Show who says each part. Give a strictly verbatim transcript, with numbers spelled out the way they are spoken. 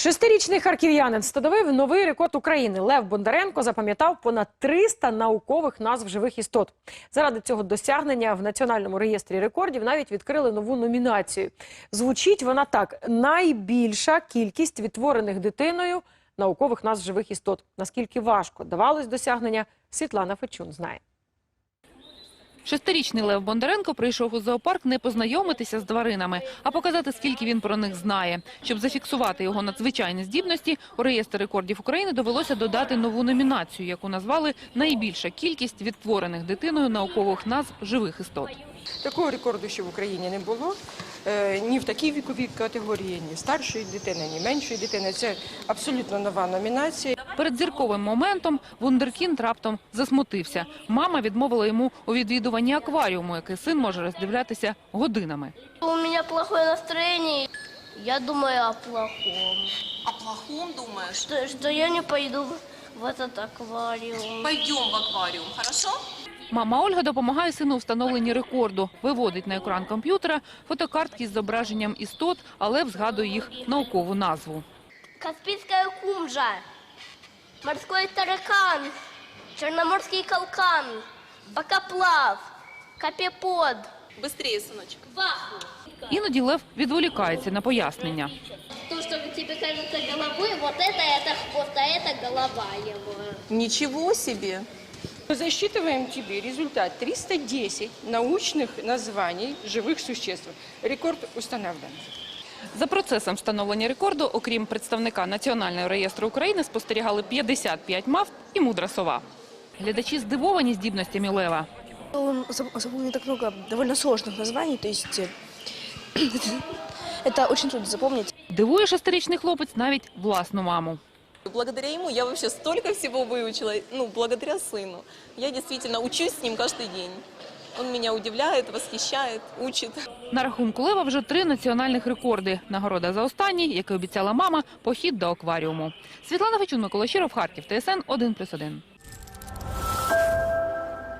Speaker 1: Шестирічний харків'янин встановив новий рекорд України. Лев Бондаренко запам'ятав понад триста наукових назв живих істот. Заради цього досягнення в Національному реєстрі рекордів навіть відкрили нову номінацію. Звучить вона так: найбільша кількість відтворених дитиною наукових назв живих істот. Наскільки важко давалось досягнення, Світлана Фечун знає.
Speaker 2: Шестирічний Лев Бондаренко прийшов у зоопарк не познайомитися з тваринами, а показати, скільки він про них знає. Щоб зафіксувати його надзвичайні здібності, у реєстр рекордів України довелося додати нову номінацію, яку назвали «Найбільша кількість відтворених дитиною наукових назв живих істот».
Speaker 3: Такого рекорду ще в Україні не було. Ні в такій віковій категорії, ні старшої дитини, ні меншої дитини. Це абсолютно нова номінація.
Speaker 2: Перед зірковим моментом вундеркінд раптом засмутився. Мама відмовила йому у відвідуванні акваріуму, який син може роздивлятися годинами.
Speaker 4: У мене плохое настроєння. Я думаю о плохом.
Speaker 5: О плохом думаешь?
Speaker 4: Что, что я не пойду в этот аквариум.
Speaker 5: Пойдем в аквариум, хорошо?
Speaker 2: Мама Ольга допомагає сину у встановленні рекорду. Виводить на екран комп'ютера фотокартки з зображенням істот, але згадує їх наукову назву.
Speaker 4: Каспийская кумжа, морской таракан, черноморский калкан, бокоплав, копепод.
Speaker 5: Быстрее, сыночек.
Speaker 4: Ваху.
Speaker 2: Іноді Лев відволікається на пояснення.
Speaker 4: То, что тебе кажется головой, вот это, это хвост, а это голова его.
Speaker 5: Ничего себе!
Speaker 3: Засчитываем тебе результат: триста десять научных названий живых существ. Рекорд установлен.
Speaker 2: За процесом встановлення рекорду, окрім представника Національного реєстру України, спостерігали п'ятдесят п'ять мавп і мудра сова. Глядачі здивовані здібностями Лева.
Speaker 6: Он запомнил так много довольно сложных названий, то есть это очень трудно запомнить.
Speaker 2: Дивує шестирічний хлопець навіть власну маму.
Speaker 5: Благодаря ему я вообще столько всего выучила, ну, благодаря сыну. Я действительно учусь с ним каждый день. Он меня удивляет, восхищает, учит.
Speaker 2: На рахунку Лева вже три національних рекорди. Нагорода за останній, який обіцяла мама, похід до акваріуму. Світлана Фечун, Микола Щиров, Харків, Т С Н один плюс один.